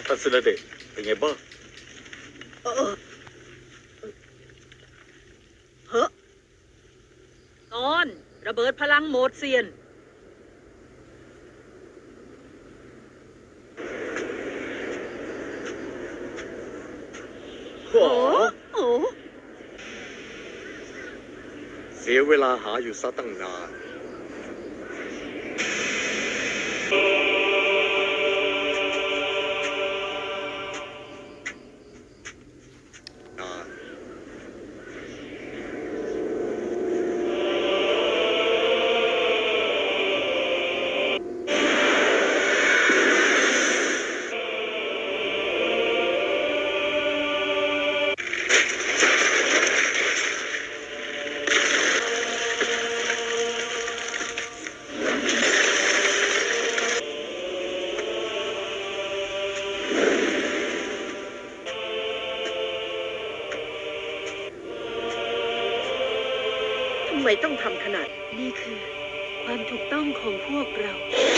ท่านสุรเดชเป็นไงบ้างเฮ้อตอนระเบิดพลังโหมดเซียนโอ้โหเสียเวลาหาอยู่ซะตั้งนานทำไมต้องทำขนาดนี้คือความถูกต้องของพวกเรา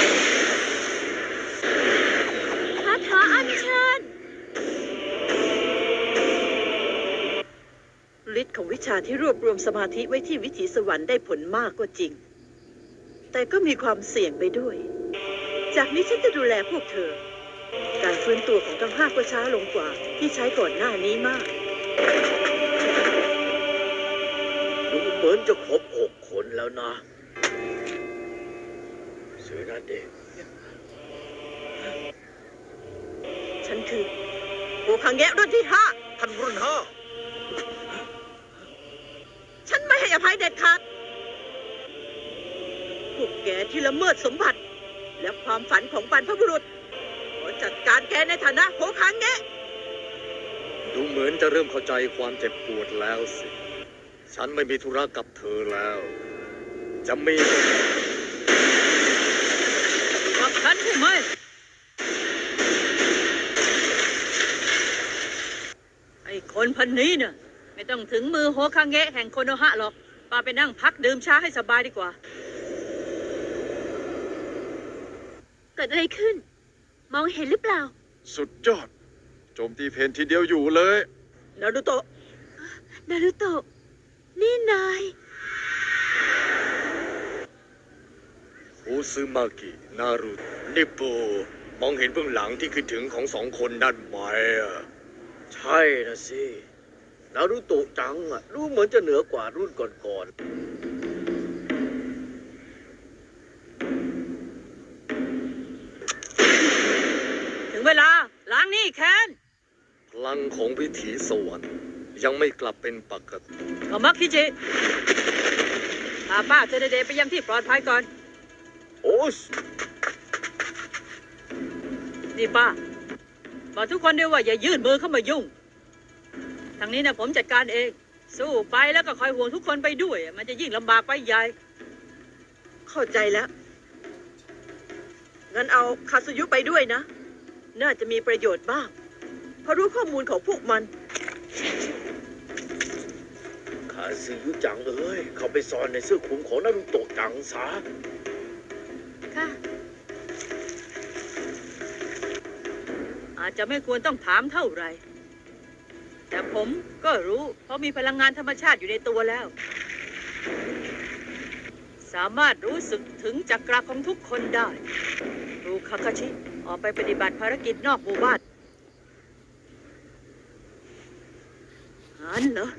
คาถาอัญเชิญฤทธิ์ของวิชาที่รวบรวมสมาธิไว้ที่วิถีสวรรค์ได้ผลมากก็จริงแต่ก็มีความเสี่ยงไปด้วยจากนี้ฉันจะดูแลพวกเธอการฟื้นตัวของทั้ง5ก็ช้าลงกว่าที่ใช้ก่อนหน้านี้มากดูเหมือนจะครบ6 คนแล้วนะเสือนั่นเองฉันคือโอคังแงะรุ่นที่5 ท่านรุ่น5 ฉันไม่ให้อภัยเด็ดขาดพวกแกที่ละเมิดสมบัติและความฝันของบรรพบุรุษขอจัดการแกในฐานะโอคังแงะดูเหมือนจะเริ่มเข้าใจความเจ็บปวดแล้วสิฉันไม่มีธุระกับเธอแล้วจะมีกับฉันใช่ไหมไอ้คนพันนี้เนี่ยไม่ต้องถึงมือโฮคังเงะแห่งโคโนฮะหรอกป้าไปนั่งพักดื่มชาให้สบายดีกว่าเกิดอะไรขึ้นมองเห็นหรือเปล่าสุดยอดโจมตีเพนทีเดียวอยู่เลยนารูโตะนารูโตะนี่นายโอซึมากินารุนิปโปมองเห็นเบื้องหลังที่คิดถึงของ2 คนนั่นไหมใช่นะสินารุโตะจังดูเหมือนจะเหนือกว่ารุ่นก่อนถึงเวลาล้างนี่แค้นพลังของวิถีสวรรค์ยังไม่กลับเป็นปกติก็มักคิจิพาป้าเจเดไปยังที่ปลอดภัยก่อนโอ้สนี่ป้าบอกทุกคนด้วยว่าอย่ายื่นมือเข้ามายุ่งทางนี้นะผมจัดการเองสู้ไปแล้วก็คอยห่วงทุกคนไปด้วยมันจะยิ่งลำบากไปใหญ่เข้าใจแล้วงั้นเอาคาซุยุไปด้วยนะน่าจะมีประโยชน์บ้างเพราะรู้ข้อมูลของพวกมันคาซึยุจังเอ้ยเขาไปซ่อนในเสื้อคลุมของนารุโตะจังซะค่ะอาจจะไม่ควรต้องถามเท่าไหร่แต่ผมก็รู้เพราะมีพลังงานธรรมชาติอยู่ในตัวแล้วสามารถรู้สึกถึงจักระของทุกคนได้รูคาคาชิออกไปปฏิบัติภารกิจนอกหมู่บ้านอันเหรอ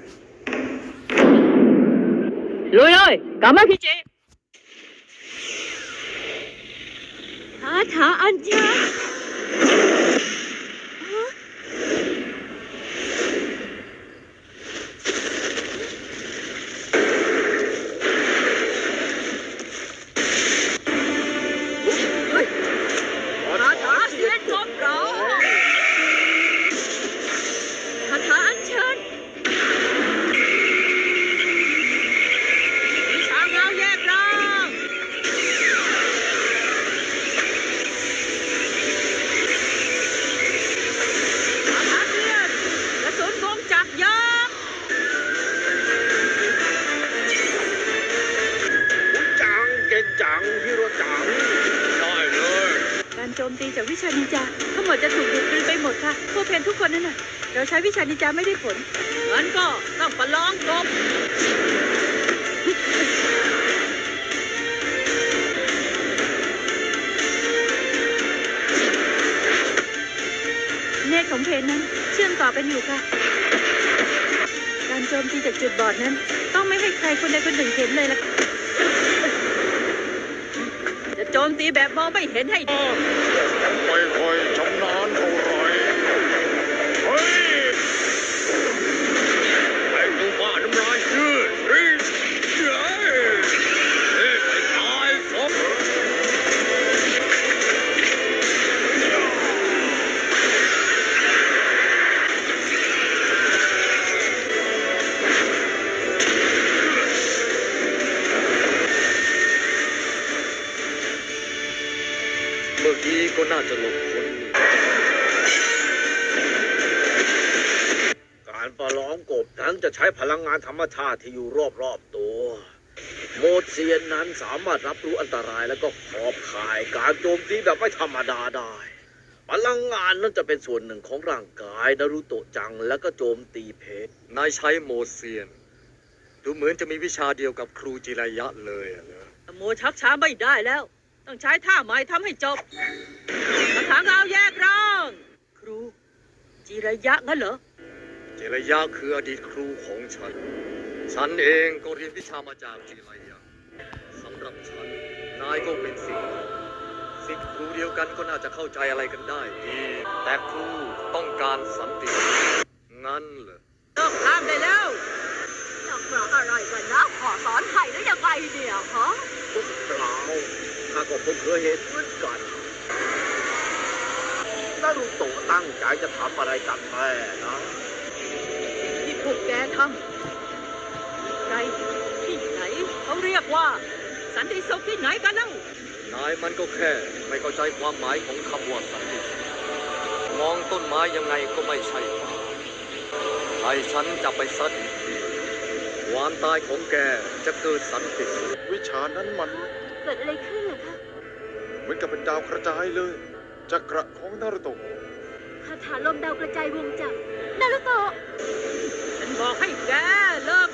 ลุยเลยกามาคิจิคาถาอัญเชิญวิชานินจาทั้งหมดจะถูกดูดกลืนไปหมดค่ะพวกเพนทุกคนนั่นน่ะเราใช้วิชานินจาไม่ได้ผลงั้นก็ต้องประลองกบเนตรของเพนนั้นเชื่อมต่อกันอยู่ค่ะการโจมตีจากจุดบอดนั้นต้องไม่ให้ใครคนใดคนหนึ่งเห็นเลยล่ะจะโจมตีแบบมองไม่เห็นให้ดีไม่ค่อยชำนาญเท่าไหร่เฮ้ยไอ้ตัวบ้าน้ำลายยืดเฮ้ยไอ้ตายซะเมื่อกี้ก็น่าจะหลบพ้นนี่การประลองกบนั้นจะใช้พลังงานธรรมชาติที่อยู่รอบๆตัว โมดเซียนนั้นสามารถรับรู้อันตรายแล้วก็ขอบข่ายการโจมตีแบบไม่ธรรมดาได้ พลังงานนั้นจะเป็นส่วนหนึ่งของร่างกายนารุโตะจังแล้วก็โจมตีเพชรนายใช้โมเซียน ดูเหมือนจะมีวิชาเดียวกับครูจิรายะเลยอะนะโมชักช้าไม่ได้แล้ว ต้องใช้ท่าใหม่ทำให้จบกระถางเอาแยกร่าง ครู จิระยะงั้นเหรอจิรายะคืออดีตครูของฉัน ฉันเองก็เรียนวิชามาจากจิรายะสำหรับฉัน นายก็เป็นศิษย์ครูเดียวกันก็น่าจะเข้าใจอะไรกันได้ดี แต่ครูต้องการสันติ งั้นเหรอต้องข้ามได้แล้วนักปราชญ์อะไรกันนะขอสอนไทยได้ยังไงเนี่ยฮะเปล่าข้าก็เพิ่งเคยเห็นเหมือนกันนารุโตะตั้งใจจะทำอะไรกันแน่นะที่พวกแกทำใครที่ไหนเขาเรียกว่า สันติสุขที่ไหนกันเล่านายมันก็แค่ไม่เข้าใจความหมายของคำว่าสันติมองต้นไม้ยังไงก็ไม่ใช่ป่าให้ฉันจะไปซัดอีกทีความตายของแกจะเกิดสันติสุขวิชานั้นมันเกิดอะไรขึ้นเหรอคะเหมือนกับเป็นดาวกระจายเลย จักระของนารุโตะคาถาลมดาวกระจายวงจักรนารุโตะฉันบอกให้แกเลิก